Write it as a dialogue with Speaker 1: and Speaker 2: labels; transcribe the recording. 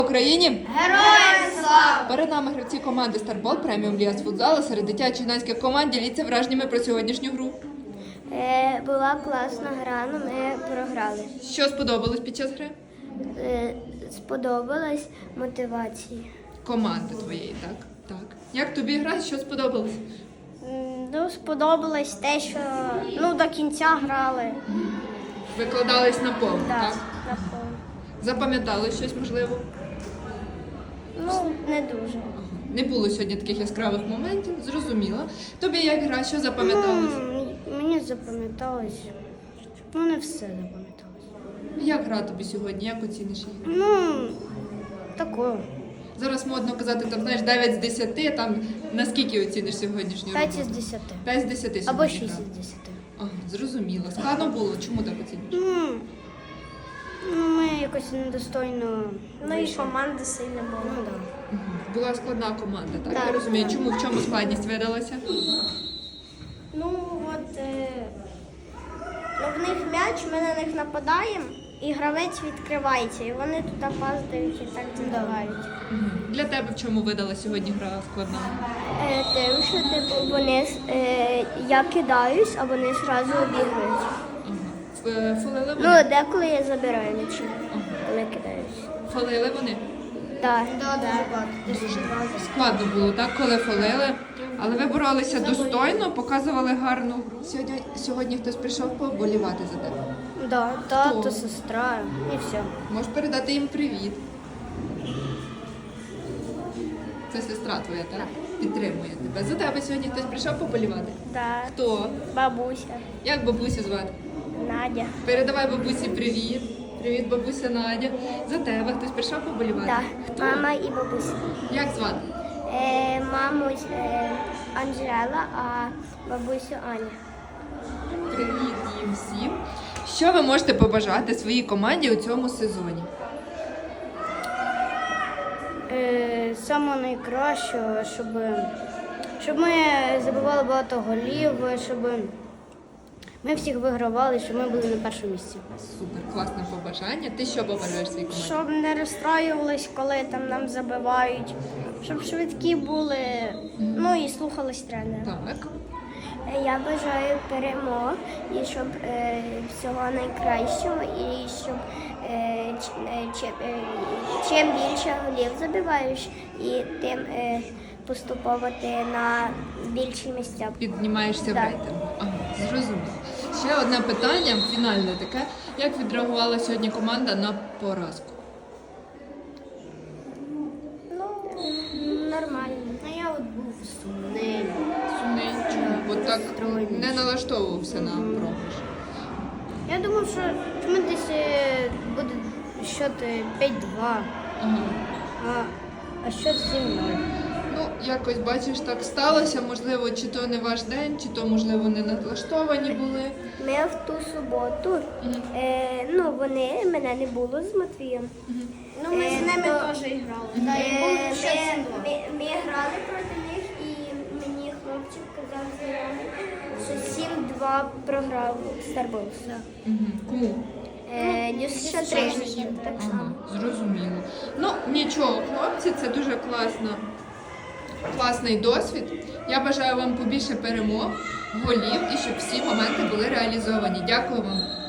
Speaker 1: Україні!
Speaker 2: Героям слава!
Speaker 1: Перед нами гравці команди Старбол преміум ліга з футзалу серед дитячо-юнацьких команд. Діліться враженнями про сьогоднішню гру.
Speaker 2: Була класна гра, але ми програли.
Speaker 1: Що сподобалось під час гри?
Speaker 2: Сподобалась мотивація.
Speaker 1: Команди твоєї, так? Так. Як тобі гра? Що сподобалось?
Speaker 2: Сподобалось те, що до кінця грали.
Speaker 1: Викладались на повну, так?
Speaker 2: Напевно.
Speaker 1: Запам'ятали щось можливо?
Speaker 2: Не дуже.
Speaker 1: Не було сьогодні таких яскравих моментів, зрозуміло. Тобі як гра, що запам'яталось?
Speaker 2: Мені запам'яталось. Не все запам'яталось.
Speaker 1: Як гра тобі сьогодні? Як оціниш її?
Speaker 2: Такою.
Speaker 1: Зараз модно казати, там, знаєш, 9 з 10, там, наскільки оціниш сьогоднішню
Speaker 2: 5
Speaker 1: роботу?
Speaker 2: із 10.
Speaker 1: 5 з 10 сьогодні
Speaker 2: Або 6
Speaker 1: гра.
Speaker 2: із 10.
Speaker 1: Ага, зрозуміло. Складно було? Чому так оцінюєш?
Speaker 2: Ми якось недостойно.
Speaker 3: І команда сильна була.
Speaker 1: Була складна команда, так?
Speaker 2: Так.
Speaker 1: Я розумію. Чому? В чому складність видалася?
Speaker 3: В них м'яч, ми на них нападаємо, і гравець відкривається, і вони тут паздають і так забивають.
Speaker 1: Для тебе в чому видала сьогодні гра складна?
Speaker 2: Тим, що я кидаюсь, а вони одразу обігають.
Speaker 1: Фалили вони?
Speaker 2: Деколи я забираю м'ячі, коли кидаюсь.
Speaker 1: Фалили вони?
Speaker 2: Так.
Speaker 1: Складно було, так, коли фалили. Але ви боролися достойно, показували гарну гру. Сьогодні хтось прийшов поболівати за тебе.
Speaker 2: Тато, сестра і все.
Speaker 1: Можеш передати їм привіт. Це сестра твоя, так? Підтримує тебе. За тебе сьогодні хтось прийшов поболівати?
Speaker 2: Так.
Speaker 1: Хто?
Speaker 2: Бабуся,
Speaker 1: Як бабусю звати?
Speaker 2: Надя.
Speaker 1: Передавай бабусі привіт. Привіт, бабуся Надя. За тебе хтось прийшов поболівати?
Speaker 2: Так.
Speaker 1: Хто?
Speaker 2: Мама і бабуся.
Speaker 1: Як звати?
Speaker 2: Маму Анжела, а бабусю Аня.
Speaker 1: Привіт їм всім. Що ви можете побажати своїй команді у цьому сезоні?
Speaker 2: Саме найкраще, щоб ми забивали багато голів, щоб ми всіх вигравали, щоб ми були на першому місці.
Speaker 1: Супер, класне побажання. Ти що побажаєш своїй команді?
Speaker 3: Щоб не розстраювались, коли там нам забивають, щоб швидкі були, і слухались тренера.
Speaker 1: Так.
Speaker 2: Я бажаю перемог і щоб всього найкращого, і щоб чим більше голів забиваєш, і тим поступово ти на більші місця.
Speaker 1: Піднімаєшся в
Speaker 2: Так.
Speaker 1: рейтингу. Ага, зрозуміло. Ще одне питання, фінальне таке. Як відреагувала сьогодні команда на поразку?
Speaker 2: Нормально.
Speaker 3: Я був сумний.
Speaker 1: Сумний? Чому? Бо так не налаштовувався на програш.
Speaker 2: Я думав, що ми десь буде счет 5-2,
Speaker 1: Ага.
Speaker 2: а счет 7-0.
Speaker 1: Ну, якось, бачиш, так сталося. Можливо, чи то не ваш день, чи то, можливо, не налаштовані були.
Speaker 2: Ми в ту суботу, вони, мене не було з Матвієм.
Speaker 3: Ми з ними теж грали.
Speaker 2: Ми грали проти них, і мені хлопчик казав знайомий, що 7-2 програв Старболс.
Speaker 1: Кому?
Speaker 2: Дюсша 3. Так само.
Speaker 1: Ага, зрозуміло. Ну, нічого, хлопці, це дуже класний досвід. Я бажаю вам побільше перемог, голів і щоб всі моменти були реалізовані. Дякую вам.